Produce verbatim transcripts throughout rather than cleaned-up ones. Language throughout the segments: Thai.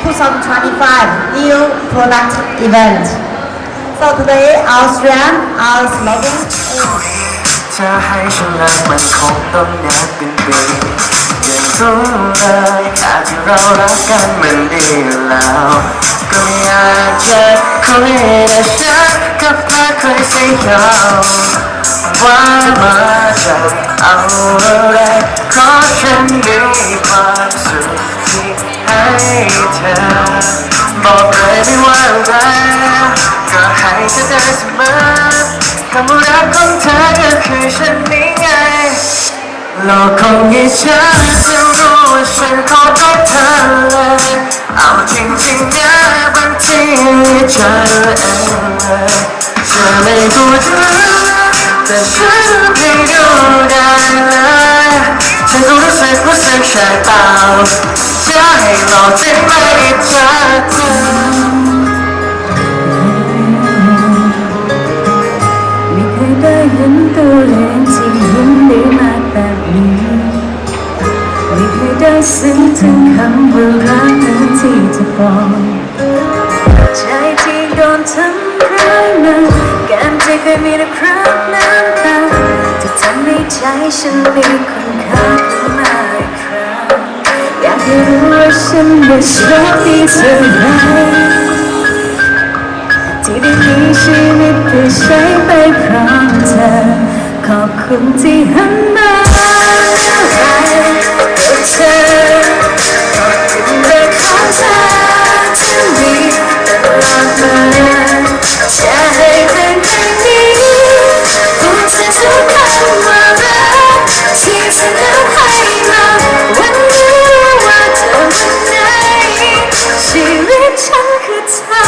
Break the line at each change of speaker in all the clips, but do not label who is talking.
twenty twenty-five new product event. So today our strand, our slogan is
จะให้ฉันรักมันคงต้องนานเป็นปียังรู้เลยแค่ที่เรารักกันมันดีแล้วก็ไม่อยากจะคุยแต่ฉันก็พาเคยสิยาวว่ามาจากเอาอะไรขอฉันมีความสุขที่ให้เธอบอกเลยไม่ว่าอะไรก็ให้เธอได้เสมอคำว่ารักของเธอก็คือฉันนี่ไงโลกคงยิ่งช้าจะรู้ว่าฉันขอรักเธอเลยเอาจริงๆนะบางทีใจเองเลยเธอไม่พูดแต่ฉันไม่ดูได้เลยฉันก็รู้สึกรู้สึกใช่เปล่าจะให้หลอกฉันไม่เจอเธอ
ได้เห็นตัวเองที่ยิ้มได้มากแบบนี้ไม่เคยได้ซึ้งถึงคำว่ารักนั้นที่จะบอกใจที่โดนทำร้ายมาแก้มที่เคยมีแต่คราบน้ำตาจะทำให้ใจฉันมีคุณค่าขึ้นมาอีกครั้งอยากให้รู้ว่าฉันได้โชคดีเท่าไรที่ได้มีชีวิตได้ใช้ไปพร้อมเธอขอบคุณที่หันมาให้เธอขอบคุณเรื่องของเธอที่มีตลอดมาจะให้เป็นแบบนี้พูดเธอทุกคำว่ารักที่เธอนั้นให้มาวันนี้ว่าเธอวันไหนชีวิตฉันคือเธอ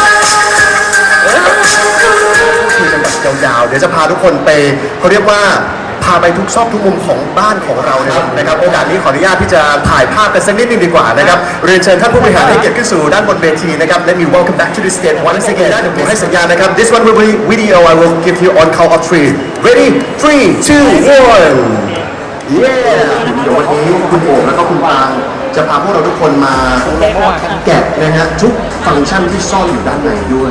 คุยกันแบบยาวๆเดี๋ยวจะพาทุกคนไปเขาเรียกว่าพาไปทุกซอกทุกมุมของบ้านของเรานะครับนะครับโอกาสนี้ขออนุญาตที่จะถ่ายภาพกันสักนิดนึงดีกว่านะครับเรียนเชิญท่านผู้บริหารให้เกียรติขึ้นสู่ด้านบนเวทีนะครับ Let me welcome back to the stage once again ได้เดี๋ยวผมให้สัญญาณนะครับ This one will be video I will give you on count of three ready three two one yeah เดี๋ยววันนี้คุณโอ๋แล้วก็คุณปางจะพาพวกเราทุกคนมาแกะนะฮะทุกฟังก์ชันที่ซ่อนอยู่ด้านในด้วย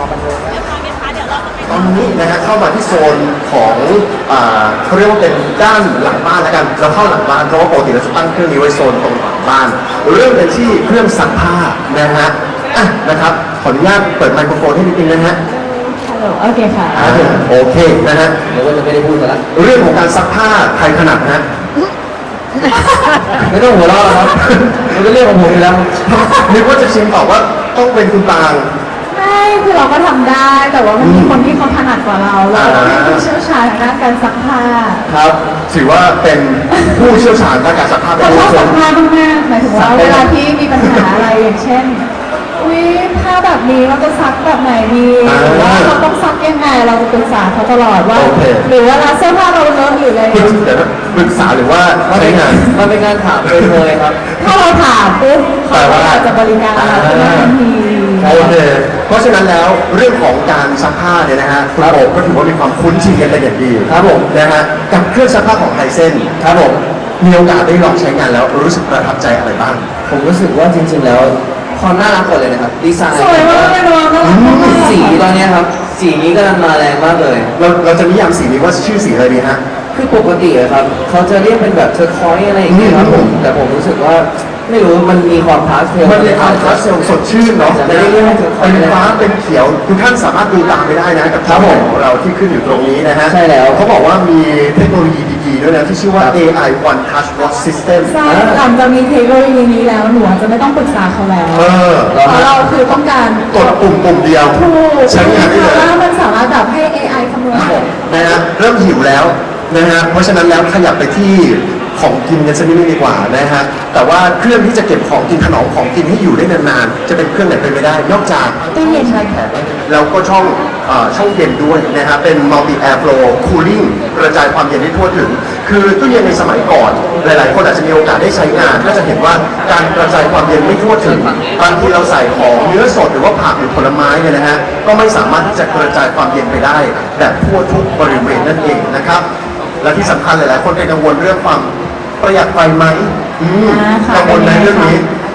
ตอนนี้นะฮะเข้ามาที่โซนของอ่าเขาเรียกว่าเป็นด้านหลังบ้านแล้วกันเราเข้าหลังบ้านเพราะว่าปกติเราจะตั้งเครื่องนี้ไว้โซนตรงหลังบ้านเริ่มกันที่เครื่องซักผ้านะฮะอ่ะนะครับขออนุญาตเปิดไมโครโฟนให้นิดนึงนะฮะ
โอเคค่ะ
โอเคนะฮะเดี๋ยวว่าจะไม่ได้พูดกันละเรื่องของการซักผ้าใครถนัดนะไม่ต้องหัวเราะครับมันก็เรื่องของผมอยู่แล้วนึกว่าจะชิมตอบว่าต้องเป็นคุณปาง
ไม่คือเราก็ทำได้แต่ว่ามันมีคนที่เขาถนัดกว่าเราเราเป็นผู้เชี่ยวชาญด้านการซักผ้า
ครับถือว่าเป็นผู้เชี่ยวชาญด้านการซักผ้า
เขาชอบซักผ้ามากๆหมายถึงว่าเวลาที่มีปัญหาอะไรอย่างเช่นอุ้ยผ้าแบบนี้เราจะซักแบบไหนดีหรือว่าเราต้องซักยังไงเราจะปรึกษาเขาตลอดว่าหรือว่าเสื้อผ้าเราเลอะหรืออะไร
ปรึกษาหรือว่าใช้งาน
มันเป็นงานถามเลยเลยครับ
ถ้าเราถามปุ๊บเขาก็อาจจะบริการเราทันที
โอเคเพราะฉะนั้นแล้วเรื่องของการซักผ้าเนี่ยนะฮะคุณโอ๋ก็ถือว่ามีความคุ้นชินกันเป็นอย่างดี
ครับผม
นะฮะกับเครื่องซักผ้าของไทเซนครับผมมีโอกาสได้ลองใช้งานแล้วรู้สึกประทับใจอะไรบ้าง
ผมรู้สึกว่าจริงๆแล้วความน่ารักหมดเลยนะครับดีไซน์
สวยมากเลยน้อง
สีตอนนี้ครับสีนี้กำลังมาแรงมากเลย
เราเราจะนิยามสีนี้ว่าชื่อสีอะไรดีฮะ
คือปกติอะครับเขาจะเรียกเป็นแบบเทอร์คอยอะไรอย่างเงี้ยครับผมแต่ผมรู้สึกว่าไม่รู้มันมีความพาสเทล
มันมีความพาสเทลสดชื่นเนาะ
จะไม่ได้เรียกให้
เป็นฟ้าเป็นเขียวทุกท่านสามารถดูตามไปได้นะกับภาพของเราที่ขึ้นอยู่ตรงนี้นะฮะ
ใช่แล้ว
เขาบอกว่ามีเทคโนโลยีดีๆด้วยนะที่ชื่อว่า เอ ไอ One Touch Wash System
ใช่หลังจากมีเทคโนโลยีนี้แล้วหนูจะไม่ต้องปรึกษาเขาแล้วเพราะเราคือต้องการ
กดปุ่มปุ่มเดียว
ใช้งานได้เลยแล้วมันสามารถแบบให้ เอ ไอ คำนวณ
นะฮะเริ่มหิวแล้วนะฮะเพราะฉะนั้นแล้วขยับไปที่ของกินกันสักนิดนึงดีกว่านะฮะแต่ว่าเครื่องที่จะเก็บของกินถนอมของกินให้อยู่ได้นานๆจะเป็นเครื่องไหนไปไม่ได้นอกจาก
ตู้เย็น
ใช่แข็งแล้วก็ช่องช่องเย็นด้วยนะฮะเป็น multi air flow cooling กระจายความเย็นได้ทั่วถึงคือตู้เย็นในสมัยก่อนหลายๆคนอาจจะมีโอกาสได้ใช้งานก็จะเห็นว่าการกระจายความเย็นไม่ทั่วถึงบางทีเราใส่ของเนื้อสดหรือว่าผักหรือผลไม้เนี่ยนะฮะก็ไม่สามารถที่จะกระจายความเย็นไปได้แบบทั่วทุกบริเวณนั่นเองนะครับและที่สำคัญหลายๆคนเป็นกังวลเรื่องความประหยัดไฟไหมกังวลในเรื่องนี้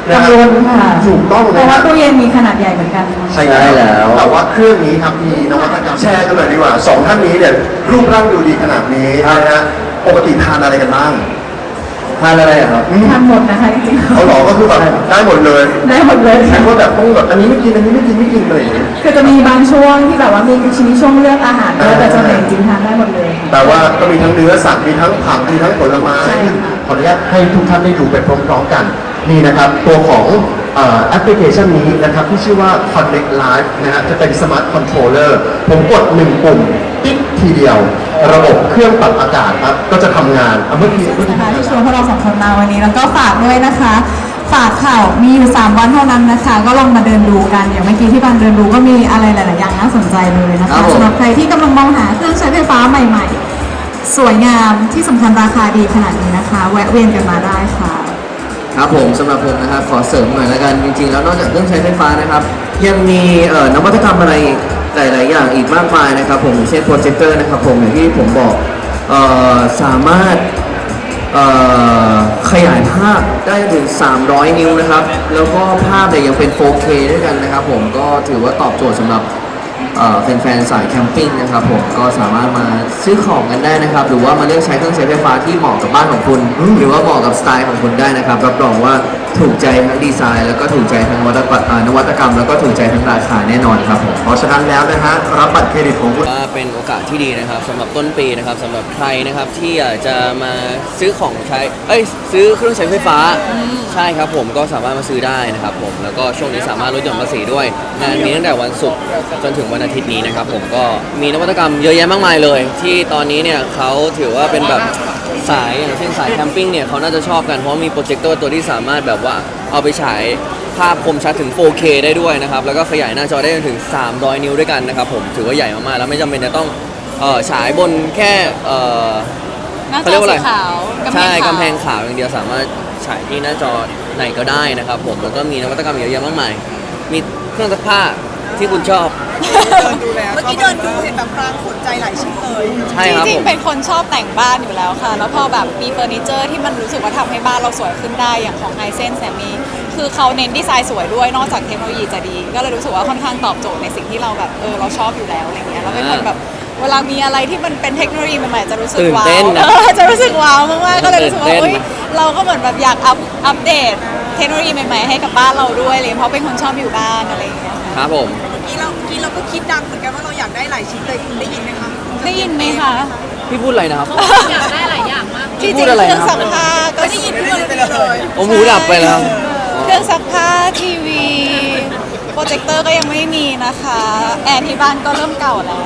นะ
กังวลค่ะ
ถูกต้อง
เพ
เลย
ราะว่า
นะ
ตู้เย็นมีขนาดใหญ่เหมือนกัน
ใช่แล้วแต่ว่าเครื่องนี้ครับมีนวัตกรรมแชร์กันเลยดีกว่าสองท่านนี้เนี่ยรูปร่างดูดีขนาดนี้นะฮะปกติทานอะไรกันบ้าง
ทานอะไรอะครับ
อืม
ทำหมดนะคะจริงๆ
เขาหลอกก็คือแบบได้หมดเลย
ได้หมดเลย
ใช่
ค่ะ
ว่าแบบต้องแบบอันนี้ไม่กินอันนี้ไม่กินไม่กินอะไรอย่างเงี้ย
คือจะมีบางช่วงที่แบบว่ามีชิ้นช่วงเลือกอาหารด้วยแต่ส่วนใหญ่จริงๆทานได้หมดเลย
แต่ว่าก็มีทั้งเนื้อสัตว์มีทั้งผักมีทั้งผลไม้
ใช่ค่ะ
ขออนุญาตให้ทุกท่านได้ดูไปพร้อมๆกันนี่นะครับตัวของเอ่อแอปพลิเคชันนี้นะครับที่ชื่อว่า Connect Live นะฮะจะเป็นสมาร์ทคอนโทรลเลอร์ผมกดหนึ่งปุ่มติ๊กทีเดียว ระบบเครื่องปรับอากาศครับก็จะทำงานอ่ะเมื่อกี้เมื่อกี้
นะคะที่ชวนพวกเราสองคนมาวันนี้แล้วก็ฝากด้วยนะคะ ฝากข่าวมีอยู่สามวันเท่านั้นนะคะ ก็ลองมาเดินดูกันอย่างเมื่อกี้ที่บางเดินดูก็มีอะไรหลาย ๆ อย่างน่าสนใจเลยนะ
ครั
คะ
บผม
สำหรับใครที่กำลังมองหาเครื่องใช้ไฟฟ้าใหม่ ๆ สวยงามที่สำคัญราคาดีขนาดนี้นะคะ แวะเวียนกันมาได้ค่ะ
ครับผมสำหรับผมนะครับขอเสริมหน่อยละกันจริงๆแล้วนอกจากเครื่องใช้ไฟฟ้านะครับ ยังมีเอ่อนวัตกรรมอะไรหลายๆอย่างอีกมากมายนะครับผมอย่างเช่นโปรเจคเตอร์นะครับผมอย่างที่ผมบอกเอ่อสามารถเอ่อขยายภาพได้ถึงสามร้อยนิ้วนะครับ แล้วก็ภาพเนี่ยยังเป็น โฟร์เค ด้วยกันนะครับผมก็ถือว่าตอบโจทย์สำหรับ เอ่อแฟนๆสายแคมปิ้งนะครับผมก็สามารถมาซื้อของกันได้นะครับ หรือว่ามาเลือกใช้เครื่องใช้ไฟฟ้าที่เหมาะกับบ้านของคุณ หรือว่าเหมาะกับสไตล์ของคุณได้นะครับรับรองว่าถูกใจทั้งดีไซน์ แล้วก็ถูกใจทั้งนวัตกรรมอ่านวัตกรรมแล้วก็ถูกใจทั้งราคาแน่นอนครับผม
เพราะฉะนั้นแล้วนะฮะรับบัตรเครดิตของคุณ
ว่าเป็นโอกาสที่ดีนะครับสำหรับต้นปีนะครับสำหรับใครนะครับที่อยากจะมาซื้อของใช้เอ้ยซื้อเครื่องใช้ไฟฟ้าใช่ครับผมก็สามารถมาซื้อได้นะครับผมแล้วก็ช่วงนี้สามารถลดหย่อนภาษีด้วยงานมีตั้งแต่วันศุกร์จนถึงวันอาทิตย์นี้นะครับผมก็มีนวัตกรรมเยอะแยะมากมายเลย ที่ตอนนี้เนี่ยเขาถือว่าเป็นแบบสายอย่างเช่นสายแคมปิ้งเนี่ยเขาน่าจะชอบกันเพราะมีโปรเจคเตอร์ตัวที่สามารถแบบว่าเอาไปฉายภาพคมชัดถึง โฟร์เค ได้ด้วยนะครับแล้วก็ขยายหน้าจอได้จนถึงสามร้อยนิ้วด้วยกันนะครับผมถือว่าใหญ่มากๆแล้วไม่จำเป็นจะต้องเอ่อฉายบนแค่เอ่อ
หน้าจ
เขาเรี
อย
กว่าอะไร
สีขาวกำแพง
ใช่
ขาว
กำแพงขาวอย่างเดียวสามารถฉายที่หน้าจอไหนก็ได้นะครับผมแล้วก็มีนวัตกรรมเยอะแยะมากมายมีเครื่องซักผ้าที่คุณชอบ
เมื่อกี้เดินดูเห็นแบบพรางสนใจหลายชิ้นเลย
ใช่
จ
ครับ
ริ
ผ
ง
ม
ๆ เป็นคนชอบแต่งบ้านอยู่แล้วค่ะ แล้วพอแบบมีเฟอร์นิเจอร์ที่มันรู้สึกว่าทำให้บ้านเราสวยขึ้นได้อย่างของไฮเซนแซมมีคือเขาเน้นดีไซน์สวยด้วยนอกจากเทคโนโลยีจะดี ก็เลยรู้สึกว่าค่อนข้างตอบโจทย์ในสิ่งที่เราแบบเออเราชอบอยู่แล้วอะไรเงี้ยแล้วเป็นคนแบบเวลามีอะไรที่มันเป็นเทคโนโลยีใหม่ๆจะรู้สึก
ตื่น
ว้า
เต้
วน
นะ
เออจะรู้สึกว้าวมากๆก็เลยรู้สึกว่า
ตื่นเต้น
เอ้ยเราก็เหมือนแบบอยากอัพอัปเดตเทคโนโลยีใหม่ๆให้กับบ้านเราด้วยเลยเพราะเป็นคนชอบอยู่บ้านอะไรอย่างเงี้ยค่ะ
ครับผม
เมื่อกี้เราเมื่อกี้เราก็คิดดังเหมือนกันว่าเราอยากได้หลายชิ้นเลยคุณได้ยินไหมคะ
ได้ยินไหมคะ
พี่พูดอะไรนะครับ
อยากได้หลายอย่างมาก
พี่
ที่
พู
จริ
ด
ง
อะไร
เครื่อง
นะครับ
ซักผ้าก็
ไม่ได้ยินเพื่อนไปเลย
ผมหูดับไปแล้ว
เครื่องซักผ้าทีวีโปรเจคเตอร์ก็ยังไม่มีนะคะแอร์ที่บ้านก็เริ่มเก่าแล้ว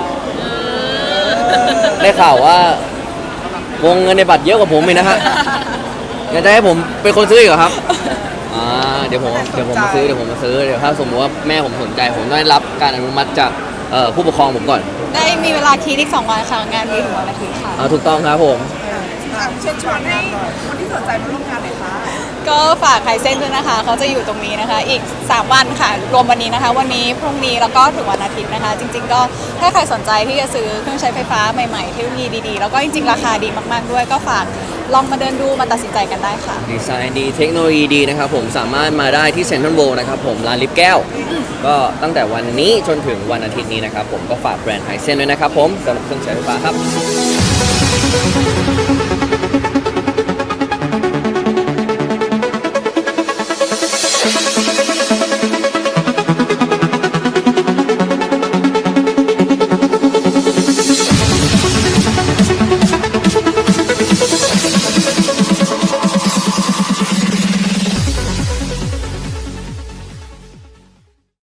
ได้ข่าวว่าวงเงินในบัตรเยอะกว่าผมอีกนะฮะอยากจะให้ผมเป็นคนซื้ออีกเหรอครับอ่าเดี๋ยวผมเดี๋ยวผมมาซื้อเดี๋ยวผมมาซื้อเดี๋ยวถ้าสมมติว่าแม่ผมสนใจผมต้องได้รับการอนุมัติจากเอ่อผู้ปกครองผมก่อน
ได้มีเวลาคิดอีกสองวันค่ะงานมีถึงวันอาทิตย์ค่ะ
อ่าถูกต้องครับผม
อ่ะเชิญชวนให้คนที่สนใจมาร่วมงานหน่อยค่ะ
ก็ฝากไคเส้นด้วยนะคะเขาจะอยู่ตรงนี้นะคะ อีกสามวันค่ะ รวมวันนี้นะคะ วันนี้พรุ่งนี้แล้วก็ถึงวันอาทิตย์นะคะ จริง ๆ ก็ถ้าใครสนใจที่จะซื้อเครื่องใช้ไฟฟ้าใหม่ๆเทคโนโลยีดีๆแล้วก็จริงๆราคาดีมากๆด้วย ก็ฝากลองมาเดินดูมาตัดสินใจกันได้ค่ะ
ดีไซน์ดีเทคโนโลยีดีนะครับผมสามารถมาได้ที่เซ็นทรัลเวิลด์นะครับผมร้านลิฟต์แก้ว ก็ตั้งแต่วันนี้จนถึงวันอาทิตย์นี้นะครับผมก็ฝากแบรนด์ไฮเซนด้วยนะครับผมสำหรับเครื่องใช้ไฟฟ้าครับ